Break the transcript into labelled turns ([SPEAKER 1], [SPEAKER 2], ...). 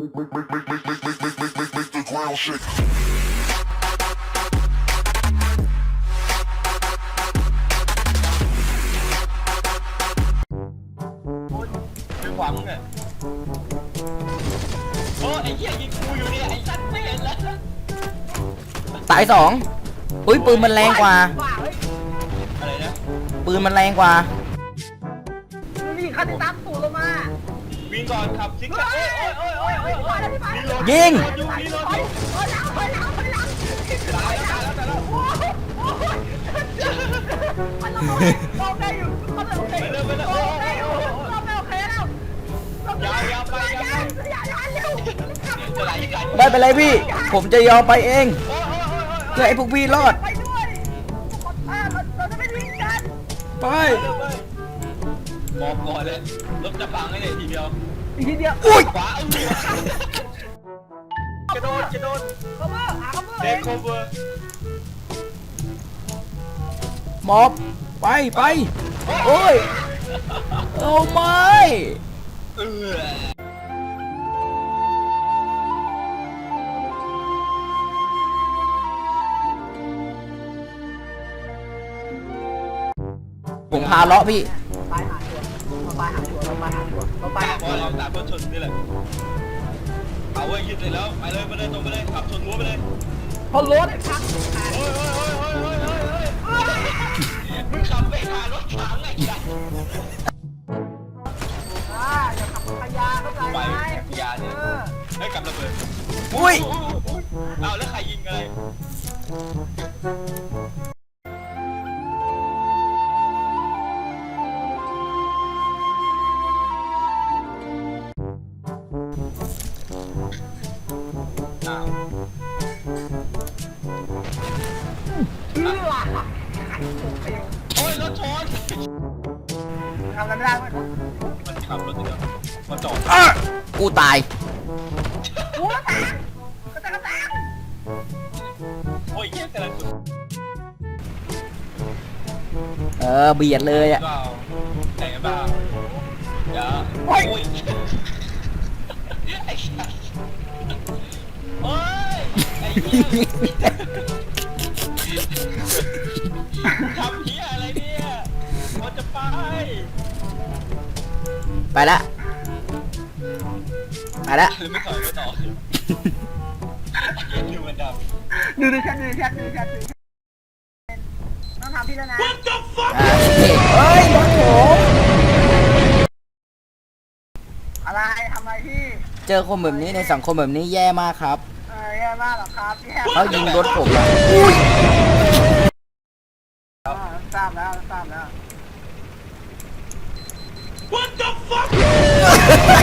[SPEAKER 1] the ground shake.
[SPEAKER 2] เป็นหวังเนี่ยโอ้ไอ้เหี้ยยิงกูอยู่เนี่ยไอ้สัตว์ไม่เห็นแล้ว
[SPEAKER 3] ตายสองอุ้ยปืนมันแรงกว่า
[SPEAKER 2] อะไรนะ
[SPEAKER 3] ปืนมันแรงกว่า
[SPEAKER 4] นี่คันที่ตามตู่ลงมา
[SPEAKER 2] วิ่งก่อนขับซิกแซกมีรถ
[SPEAKER 3] ยิง
[SPEAKER 2] อยู่มีรถอยู่ตายแล้ว
[SPEAKER 4] โอเคอยู่เขาเลยโอเคโอเคโอเคแล้วอย่าเร็ว
[SPEAKER 2] จะไหลกัน
[SPEAKER 3] ไม่เป็นไรพี่ ผมจะยอมไปเองเพื่อให้พวกพี่รอด
[SPEAKER 4] ไปด้วยเราจะไม่ทิ้งกัน
[SPEAKER 3] ไป
[SPEAKER 2] บอกก่อนเลยรถจะพังให้เลยทีเดียว
[SPEAKER 4] อีกทีเดียว
[SPEAKER 3] อุ้ย
[SPEAKER 2] ขวาเอาหัวกระโดด
[SPEAKER 4] คัมเบอร์คัมเบอร์
[SPEAKER 2] เทคโอเวอร์
[SPEAKER 3] หมอบไปโอ้ยเอาไม่
[SPEAKER 2] เออ
[SPEAKER 3] ผมพาเลาะพี่
[SPEAKER 4] ไปหาชัวร์ไปหาชัวร์เราไปหาชัวร์เราไป
[SPEAKER 2] ตา
[SPEAKER 4] หา
[SPEAKER 2] บอลเราตาเพื่อชนนี่แหละเอาไว้ยึดเลยแล้วไปเลยตรงไปเลยขับชนรั้วไปเลย
[SPEAKER 4] พอรถพัง
[SPEAKER 2] โอ้ยมึงขับไปหารถถังไอ้ยักษ์
[SPEAKER 4] อย่าขับขยะเข้าใจ
[SPEAKER 2] ไป
[SPEAKER 4] ไหม
[SPEAKER 2] ยาเนี่ยให้กลับระเบิด
[SPEAKER 3] อุ้ย
[SPEAKER 2] เอาแล้วใครยิงอะไรอ้าว โอ้ยรถชน
[SPEAKER 4] ทำอะไรไม่ได้เว้ย
[SPEAKER 2] มันขับรถติดมาจอด
[SPEAKER 3] กูตาย
[SPEAKER 4] โอ้แตกกระแตก
[SPEAKER 2] โอ้ยเยี่ยกำลังสุด
[SPEAKER 3] เบียดเลยอ่ะ
[SPEAKER 2] เปล่าแต่เปล่าอย่าโอ้ยไอ้สัสโอ้ยไอ้เหี้ยทำเหี้ยอะไรเนี่ยมันจะไป
[SPEAKER 3] ไปละ
[SPEAKER 2] หรือไม่ถอยไม่ต่อดูมันดำ
[SPEAKER 4] ดูแชทต้องทำพี่แล้วนะ
[SPEAKER 3] เฮ้ยรถผม
[SPEAKER 4] อะไรทำอะไรพี่
[SPEAKER 3] เจอคนแบบนี้ในสังคมแบบนี้แย่มากครับ
[SPEAKER 4] แย่มากหรอครับพี่แฮม
[SPEAKER 3] เขายิงรถผมอะอุ้ย
[SPEAKER 4] ทราบแล้ว
[SPEAKER 1] What the fuck?